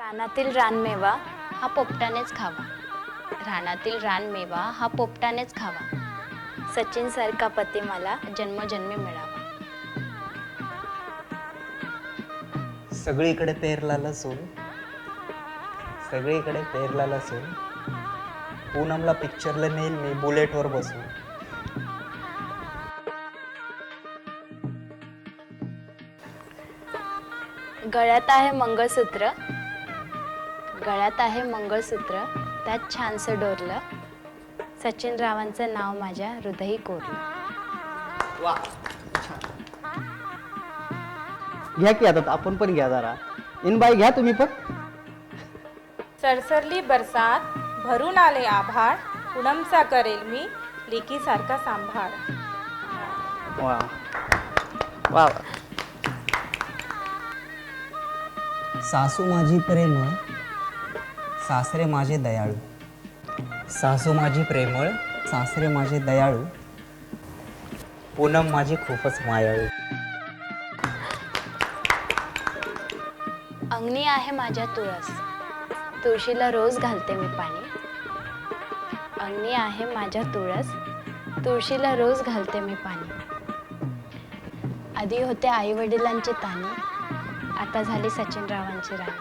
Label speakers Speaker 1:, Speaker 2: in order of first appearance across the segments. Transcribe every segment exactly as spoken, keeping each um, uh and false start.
Speaker 1: रानातील रानमेवा हा पोपटानेच खावा. रानातील रानमेवा हा पोपटानेच खावा. सचिन सारखा पती मला जन्मजन्मी मिळावा.
Speaker 2: सगळीकडे पेरला लसूण, सगळीकडे पेरला लसूण, पूनमला पिक्चरला नेईल मी बुलेटवर बसून.
Speaker 1: गळ्यात आहे मंगळसूत्र, गळ्यात आहे मंगळसूत्र, त्यात छानसं डोरलं. सचिन रावांचं नाव माझ्या हृदयी कोरलं.
Speaker 2: वा,
Speaker 3: घ्या की आता आपण पण घ्या जरा. इनबाई घ्या तुम्ही पण.
Speaker 4: सरसरली बरसात, भरून आले आभाळ, पूनमचा करेल मी लेकीसारखा सांभाळ.
Speaker 3: वा वा.
Speaker 2: सासू माझी प्रेमळ, सासरे माझे दयाळू. सासू माझी प्रेमळ, सासरे माझे दयाळू, पूनम माझी खूपच मायाळू.
Speaker 1: अंगणी आहे माझ्या तुळस, तुळशीला रोज घालते मी पाणी. अंगणी आहे माझ्या तुळस, तुळशीला रोज घालते मी पाणी. आधी होते आई वडिलांचे ताणी, आता झाली सचिन रावांची राणी.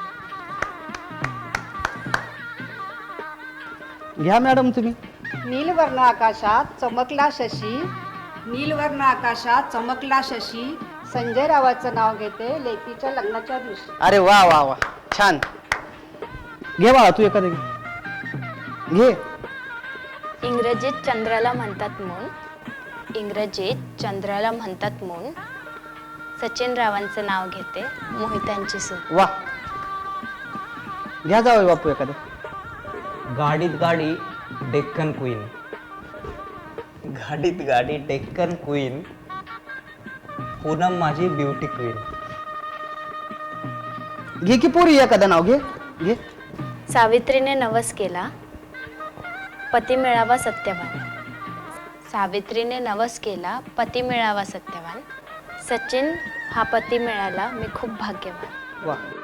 Speaker 3: घ्या मॅडम तुम्ही.
Speaker 5: नीलवर्ण आकाशात चमकला शशी, नीलवर्ण आकाशात चमकला शशी, संजय रावाचं नाव घेते लेकीच्या लग्नाच्या दिवशी.
Speaker 3: अरे वा वा वा, छान. घे बाळा तू एखादं घे. घे.
Speaker 1: इंग्रजीत चंद्राला म्हणतात मून, इंग्रजीत चंद्राला म्हणतात मून. सचिन रावांचं नाव घेते मोहितांची सून.
Speaker 3: वा. घ्या जावं बापू एखादं.
Speaker 2: गाडीत गाडी डेक्कन क्वीन, गाडीत गाडी डेक्कन क्वीन, पूनम माझी ब्युटी क्वीन.
Speaker 3: घे की पोरी एखादं नाव घे. घे.
Speaker 1: सावित्रीने नवस केला, पती मिळावा सत्यवान. सावित्रीने नवस केला, पती मिळावा सत्यवान. सचिन हा पती मिळाला, मी खूप भाग्यवान.
Speaker 3: वा.